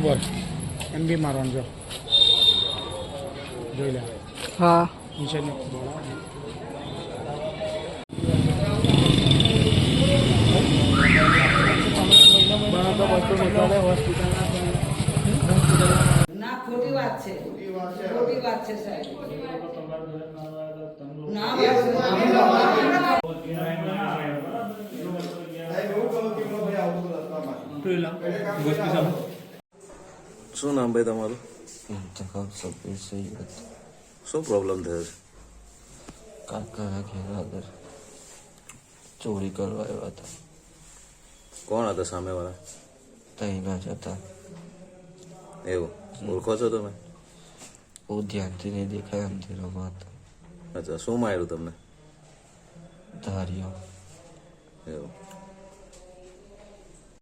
બોલ એમ બી મારવાનું જો જોઈ લે. હા નીચેની બોલ ના ખોટી વાત છે, ખોટી વાત છે સાહેબ. ના શું નામ ભાઈ તમારું? સબ્બીર સૈયદ. શું પ્રોબ્લેમ થયો છે? કાકાના ઘેર આગળ ચોરી કરવા આવ્યા હતા. કોણ હતા સામેવાળા? તઈના જ હતા. એવું ઓળખો છો તમે? બહુ ધ્યાનથી નહીં દેખાય અંધેરોમાં હતા. અચ્છા, શું માર્યું તમને? ધાર્યો